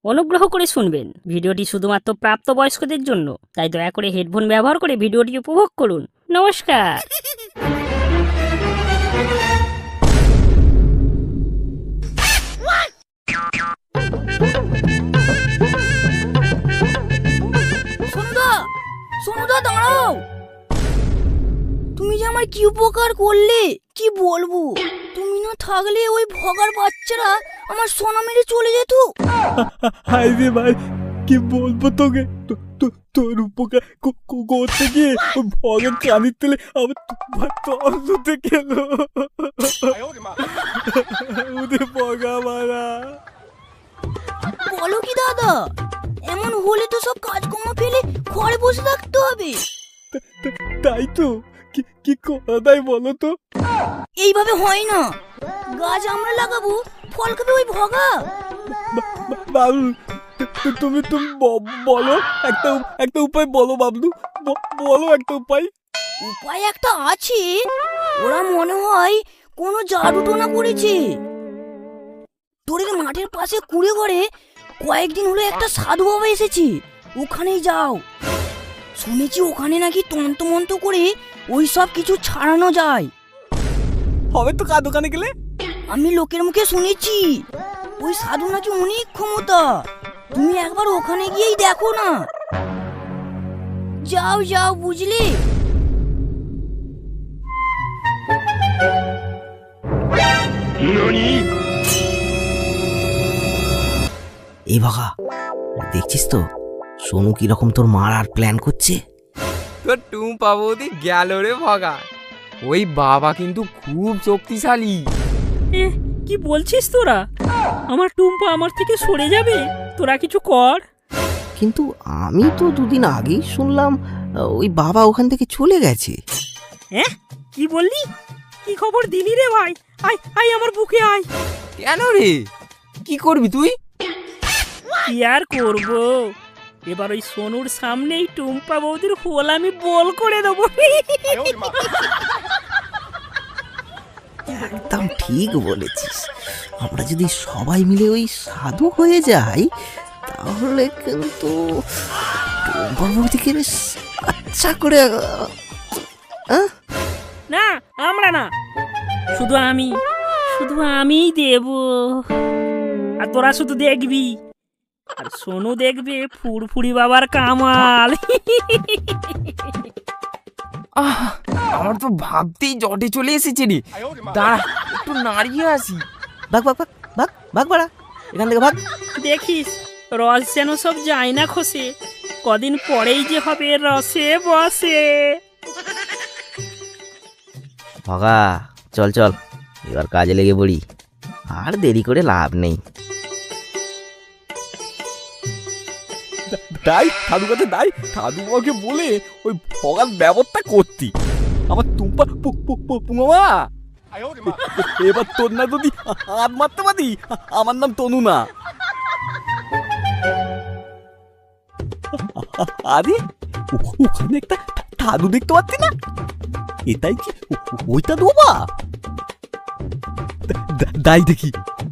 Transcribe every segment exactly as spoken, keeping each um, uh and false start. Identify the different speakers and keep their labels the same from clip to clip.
Speaker 1: অনুগ্রহ করে শুনবেন, ভিডিওটি শুধুমাত্র প্রাপ্তবয়স্কদের জন্য, তাই দয়া করে হেডফোন ব্যবহার করে ভিডিওটি উপভোগ করুন। নমস্কার।
Speaker 2: সোনুদা, সোনুদা দাঁড়াও। তুমি যে আমার কি উপকার করলে কি বলবো। তুমি না থাকলে ওই ভগার বাচ্চারা আমার সোনা মেরে চলে যেত।
Speaker 3: হাই রে ভাই, কি বলবো তোকে। তোর উপকার করতে গিয়ে ভগের কানির তেলে আমার তোমার তল ধুতে গেল। ওদের ভগা মারা।
Speaker 2: বলো কি দাদা, এমন হলে তো সব কাজকর্ম ফেলে ঘরে বসে থাকতে হবে।
Speaker 3: তাই তো, কি করা দেয় বলো তো।
Speaker 2: এইভাবে হয় না, গাছ আমরা লাগাবো, ফল খাবে ওই ভগা।
Speaker 3: বাবলু, তুমি তুমি বলো একটা একটা উপায় বলো বাবলু, বলো একটা উপায়।
Speaker 2: উপায় একটা আছে, ওরা মনে হয় কোনো জাদু টোনা করেছে। তোদের মাঠের পাশে কুড়ে ঘরে কয়েকদিন হলো একটা সাধু বাবা এসেছে, ওখানেই যাও। শুনেছি ওখানে নাকি তন্ত্র মন্ত্র করে ওই সব কিছু ছাড়ানো যায়।
Speaker 3: হবে তো, কার দোকানে গেলে?
Speaker 2: আমি লোকের মুখে শুনেছি ওই সাধু নাকি অনেক ক্ষমতা। তুমি একবার ওখানে গিয়েই দেখো না। যাও যাও, বুঝলি?
Speaker 4: এই ভাগা, দেখছিস তো সোনু কিরকম তোর মারার প্ল্যান করছে।
Speaker 5: তোর টুম্পা বৌদি গেল রে ভগা। ওই বাবা কিন্তু খুব শক্তিশালী।
Speaker 1: এ কি বলছিস তোরা? আমার টুম্পা আমার থেকে সরে যাবে? তোরা কিছু কর।
Speaker 4: কিন্তু আমি তো দুদিন আগেই শুনলাম ওই বাবা ওখান থেকে চলে গেছে।
Speaker 1: হ্যাঁ, কি বললি? কি খবর দিলি রে ভাই? আয় আয় আমার বুকে আয়।
Speaker 5: কেন রে, কি করবি তুই?
Speaker 1: কি আর করবো, এবার ওই সোনুর সামনেই টুম্পা বৌদির হোল আমি বল করে দেবো।
Speaker 4: একদম ঠিক বলেছিস, আমরা যদি সবাই মিলে ওই সাধু হয়ে যাই তাহলে কিন্তু টুম্পাবতীকে বেশ আচ্ছা করে।
Speaker 1: না, আমরা না, শুধু আমি, শুধু আমিই দেব। আর তোরা শুধু দেখবি, আর সোনু দেখবে ফুরফুরি বাবার কামাল।
Speaker 5: আহ, আমার তো ভাবতেই জটে চলে এসেছে রে। দাঁড়া, একটু নাড়িয়ে আসি।
Speaker 4: ভাগ ভাগ ভাগ ভাগ ভাগ বাড়া, এখান থেকে ভাগ।
Speaker 1: দেখিস রস যেন সব যায় না খসে, কদিন পরেই যে হবে রসে বসে।
Speaker 4: ভগা চল চল, এবার কাজে লেগে পড়ি, আর দেরি করে লাভ নেই।
Speaker 3: তাই সাধু কাছে দাই, সাধু বাবাকে বলে ওই ভগার ব্যবস্থা করতি। আমার তুম্পা পুঙমা, এবার তোর না যদি হাত মারতে পারি, আমার নাম তনু না। আরে ওখানে একটা সাধু দেখতে পাচ্ছি না, এটাই কি ওইটা দোবা? দাই দেখি।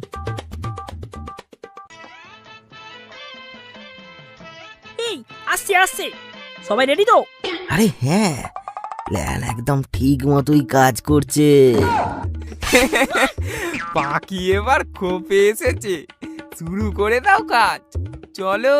Speaker 1: এই আসছে আসছে, সবাই রেডি তো?
Speaker 4: আরে হ্যাঁ, প্ল্যান একদম ঠিক মতোই কাজ করছে।
Speaker 5: পাখি এবার খোপে এসেছে, শুরু করে দাও কাজ, চলো।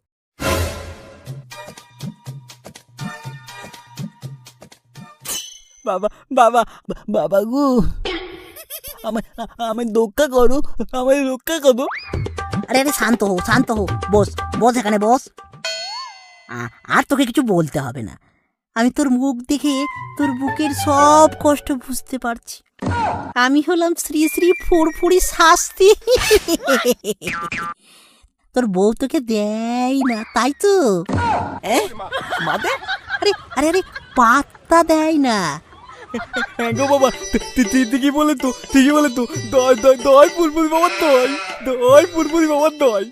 Speaker 3: বাবা বাবা বাবা গো, আমায় আমায় রক্ষা করো, আমায় রক্ষা করো।
Speaker 6: আরে আরে শান্ত হো শান্ত হো, বস বস এখানে বস। আ- আর তোকে কিছু বলতে হবে না, আমি তোর মুখ দেখে তোর বুকের সব কষ্ট বুঝতে পারছি। আমি হলাম শ্রী শ্রী ফুরফুরি শাস্তি। তোর বউ তোকে দেয় না তাই তো?
Speaker 3: মাতে
Speaker 6: আরে আরে আরে পাত্তা দেয় না।
Speaker 3: হ্যাঁ গো বাবা, ঠিকই বলে তো, ঠিকই বলে তো। দয় দয় দয় ফুরফুরি বাবার দয়, দয় ফুরফুরি বাবার দয়।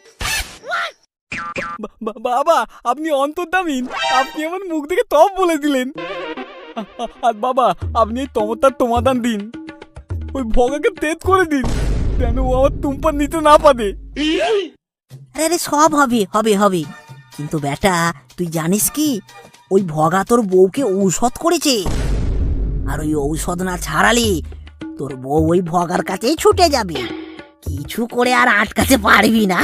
Speaker 3: বাবা আপনি অন্তর্দামিন, আপনি আমার মুখ দেখে তপ বলে দিলেন। আর বাবা আপনি এই তমতার সমাধান দিন, ওই ভগাকে তেজ করে দিন, যেন ও আমার তুম্পার নিতে না পারে।
Speaker 6: আরে আরে সব হবে হবে হবে কিন্তু বেটা তুই জানিস কি ওই ভগা তোর বউকে ঔষধ করেছে আর ওই ঔষধ না ছাড়ালে তোর বউ ওই ভগার কাছেই ছুটে যাবে কিছু করে আর আটকাতে পারবি না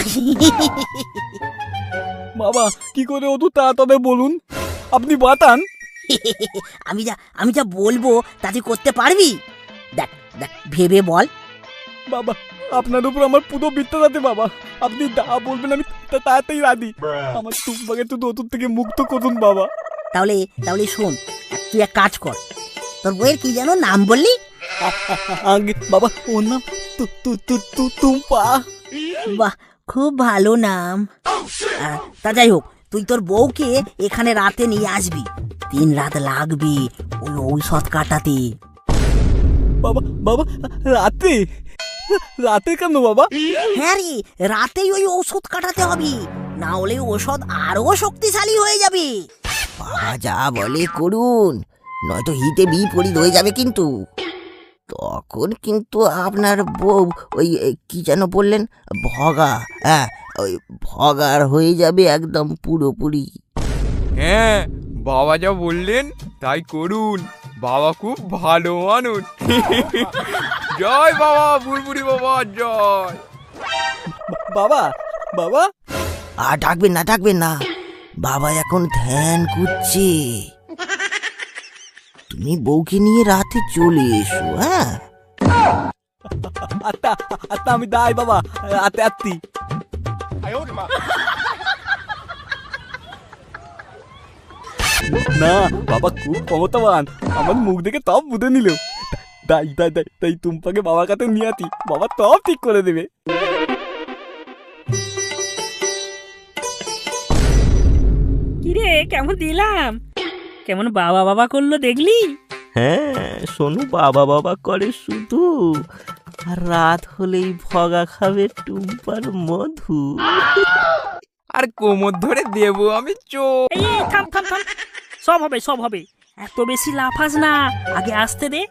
Speaker 3: বাবা কি করে অত তাড়াতাড়ি বলুন, আপনি বাতান।
Speaker 6: আমি যা আমি যা বলবো তা তুই করতে পারবি? দেখ দেখ ভেবে বল।
Speaker 3: বাবা আপনার উপর আমার পুরো বিশ্বাস আছে বাবা, আপনি যা বলবেন আমি তা- তাড়াতাড়ি রাজি। আমার টুম্পাকে তো নতুন থেকে মুক্ত করুন বাবা।
Speaker 6: তাহলে তাহলে শোন, তুই এক কাজ কর, তোর বইয়ের কি যেন নাম বললি?
Speaker 3: আগে বাবা ওর নাম তু তু তু তু টুম্পা।
Speaker 6: বাহ, খুব ভালো নাম। আহ, তা যাই হোক, তুই তোর বউকে এখানে রাতে নিয়ে আসবি। তিন রাত লাগবে ওই ঔষধ কাটাতে।
Speaker 3: বাবা বাবা রাতে রাতে কেন বাবা?
Speaker 6: হ্যাঁ রে, রাতেই ওই ঔষধ কাটাতে হবে, না হলে ঔষধ আরো শক্তিশালী হয়ে যাবে।
Speaker 4: বাবা যা বলে করুন, নয়তো হিতে বিপরীত হয়ে যাবে কিন্তু। তখন কিন্তু আপনার বউ ওই এ, কি যেন বললেন, ভগা, হ্যাঁ ওই ভগার হয়ে যাবে একদম পুরোপুরি।
Speaker 5: হ্যাঁ, বাবা যা বললেন তাই করুন, বাবা খুব ভালো মানুষ। জয় বাবা, বুড়বুড়ি বাবা জয়।
Speaker 3: বাবা বাবা
Speaker 4: আর ডাকবেন না ডাকবেন না, বাবা এখন ধ্যান করছে। তুমি বউকে নিয়ে রাতে চলে এসো। হ্যাঁ
Speaker 3: আত্মা আত্মা আমি দাই বাবা, আতে আত্মি। না বাবা খুব ক্ষমতাবান, আমার মুখ দেখে তব বুঝে নিল। তাই তাই তাই তাই টুম্পাকে বাবার কাছে নিয়ে আতি, বাবা তব ঠিক করে দেবে।
Speaker 1: কিরে কেমন দিলাম? কেমন বাবা বাবা করলো দেখলি?
Speaker 4: হ্যাঁ, সোনু বাবা বাবা করে শুধু, আর রাত হলেই ভগা খাবে টুম্পার মধু।
Speaker 5: আর কোমর ধরে দেবো আমি চো।
Speaker 1: এই এই, থাম থাম থাম, সব হবে সব হবে, এত বেশি লাফাস না, আগে আসতে দে।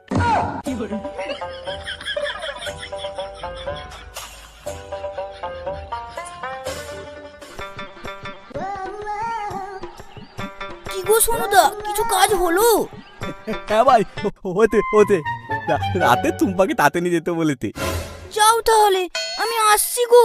Speaker 2: কি গো সোনুদা, কিছু কাজ হলো?
Speaker 3: হ্যাঁ ভাই হতে হতে রা- রাতে টুম্পাকে তাতে নিয়ে যেতে বলেতে।
Speaker 2: যাও তাহলে, আমি আসছি গো।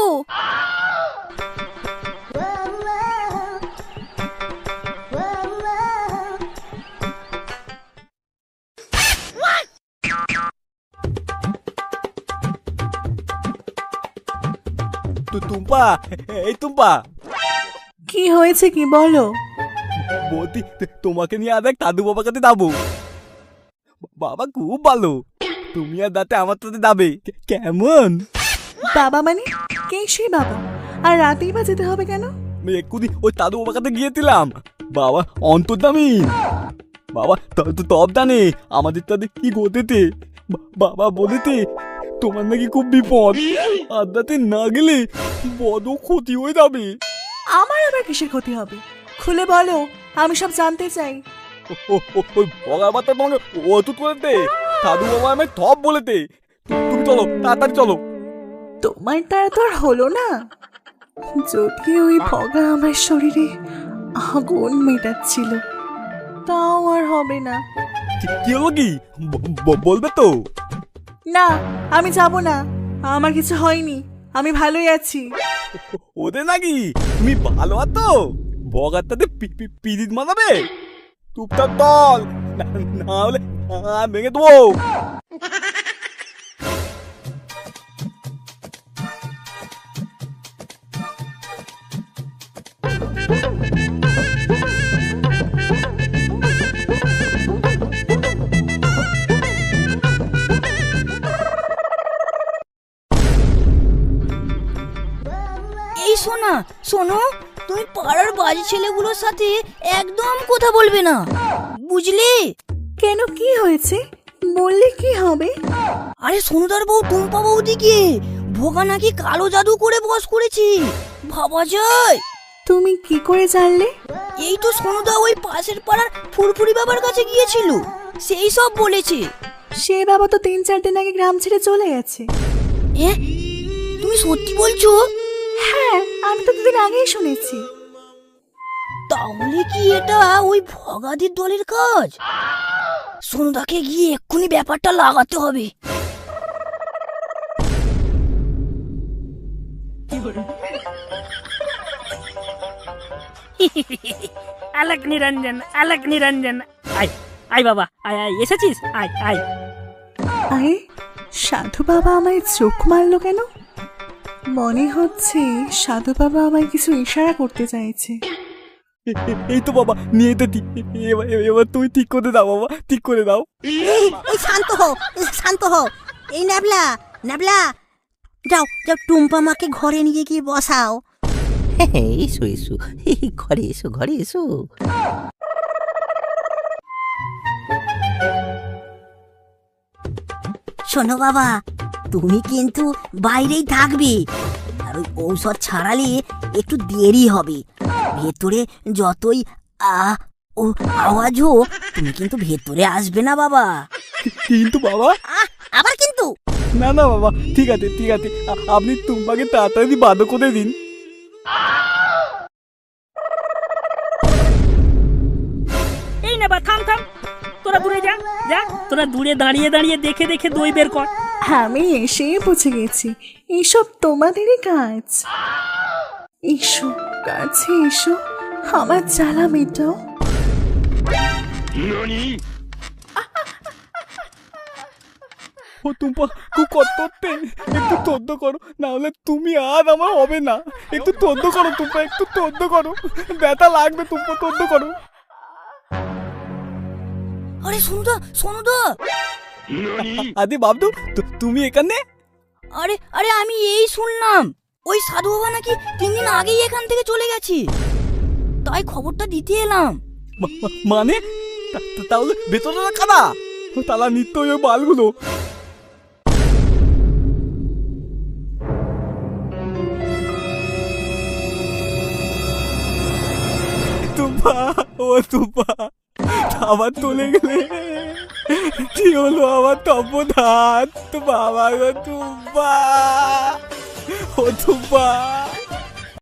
Speaker 3: তো টুম্পা, এই টুম্পা
Speaker 7: কি হয়েছে কি বলো?
Speaker 3: বৌদি তোমাকে নিয়ে আজ এক দাদু বাবার কাছে যাবো। বাবা খুব ভালো, তুমি আর দাতে আমার সাথে যাবে কে- কেমন?
Speaker 7: বাবা মানে কে সেই বাবা? আর রাতেই বা যেতে হবে কেন?
Speaker 3: আমি এক্ষুনি ওই দাদু বাবার কাছে গিয়েছিলাম, বাবা অন্তর্দামি। বাবা তো তব জানে আমাদের তাদের কি ঘটেছে। বা- বাবা বলেতে তোমার নাকি খুব বিপদ, আর দাতে না গেলে বড় ক্ষতি হয়ে যাবে।
Speaker 7: আমার আবার কিসের ক্ষতি হবে? খুলে বলো, আমি সব জানতে চাই।
Speaker 3: ও- ও- ও- ওই ভগার বার্তা তোমাকে অতুত করেতে, দাদু বাবা আমি থপ বলেতে। তু- তুমি চলো তাড়াতাড়ি চলো।
Speaker 7: তোমার তারা তো আর হলো না। যদি ওই ভগা আমার শরীরে আগুন মেটাচ্ছিল, তাও আর হবে না।
Speaker 3: কি- কি হলো কি ব- ব- বলবে তো?
Speaker 7: না, আমি যাব না, আমার কিছু হয়নি, আমি ভালোই আছি।
Speaker 3: ওদের নাকি তুমি ভালো আছো, বগার তাতে পিরিত মানাবে। চুপচাপ দল, না হলে আ, ভেঙে দেবো।
Speaker 2: এই শোনা, শোনো, তুমি পাড়ার বাজে ছেলেগুলোর সাথে একদম কথা বলবে না, বুঝলে?
Speaker 7: কেন, কি হয়েছে? বললে কি হবে?
Speaker 2: আরে সোনুদার বউ টুম্পা বৌদিকে ভোগা নাকি কালো জাদু করে বস করেছি, ভাবা যায়?
Speaker 7: তুমি কি করে জানলে?
Speaker 2: এই তো সোনুদা ওই পাশের পাড়ার ফুরফুরি বাবার কাছে গিয়েছিল, সেই সব বলেছে।
Speaker 7: সে বাবা তো তিন চার দিন আগে গ্রাম ছেড়ে চলে গেছে।
Speaker 2: এ, তুমি সত্যি বলছো?
Speaker 7: হ্যাঁ, আমি তো দুদিন আগেই শুনেছি।
Speaker 2: তাহলে কি এটা ওই ভগাদির দলের কাজ? সোনুদাকে গিয়ে এক্ষুনি ব্যাপারটা লাগাতে হবে।
Speaker 1: আলাক নিরঞ্জন, আলাক নিরঞ্জন। আয় আয় বাবা, আয় আয়, এসেছিস? আয় আয়।
Speaker 7: আরে সাধু বাবা আমায় চোখ মারলো কেন? মনে হচ্ছে সাধু বাবা আমায় কিছু ইশারা করতে চাইছে।
Speaker 3: এ- এ- এই তো বাবা, নিয়ে তো ঠিক। এবার এবার তুমি ঠিক করে দাও বাবা, ঠিক করে দাও।
Speaker 6: এই এই শান্ত হও, এই শান্ত হও। এই ন্যাবলা, ন্যাবলা, যাও যাও টুম্পা মাকে ঘরে নিয়ে গিয়ে বসাও।
Speaker 4: হ্যাঁ, এসো এসো, এই ঘরে এসো, ঘরে এসো।
Speaker 6: শোনো বাবা, তুমি কিন্তু বাইরেই থাকবে, আর ওই ঔষধ ছাড়ালে একটু দেরি হবে। ভেতরে যতই আ ও আওয়াজ হোক, তুমি কিন্তু ভেতরে আসবে না বাবা।
Speaker 3: কিন্তু বাবা,
Speaker 6: আহ, আবার কিন্তু
Speaker 3: না না বাবা, ঠিক আছে ঠিক আছে, আ- আপনি টুম্পাকে তাড়াতাড়ি বাধ্য করে দিন।
Speaker 1: এই না বা, থাম থাম, তোরা দূরে যা যা, তোরা দূরে দাঁড়িয়ে দাঁড়িয়ে দেখে দেখে দই বের কর।
Speaker 7: আমি এসে বুঝে গেছি এইসব তোমাদেরই কাজ। এসো কাছে এসো, আমার জ্বালা মেটাও।
Speaker 3: ও টুম্পা, খুব কষ্টতে, একটু তদ্দ করো, না হলে তুমি আর আমার হবে না। একটু তদ্দ করো টুম্পা, একটু তদ্দ করো, ব্যথা লাগবে টুম্পা, তদ্দ করো।
Speaker 2: আরে সোনুদা, সোনুদা!
Speaker 3: আরে বাবদু, তু- তুমি এখানে?
Speaker 2: আরে আরে আমি এই শুনলাম ওই সাধু বাবা নাকি তিন দিন আগেই এখান থেকে চলে গেছে, তাই খবরটা দিতে এলাম।
Speaker 3: মা- মা- মানে তা- তা- তাহলে ভেতরে রাখা না, তালা নিত্য ওই বালগুলো। তুম্পা, ও তুম্পা, আবার চলে গেলে কি হলো আমার তপধাত? বাবা গো তুম্পা, ও তুম্পা।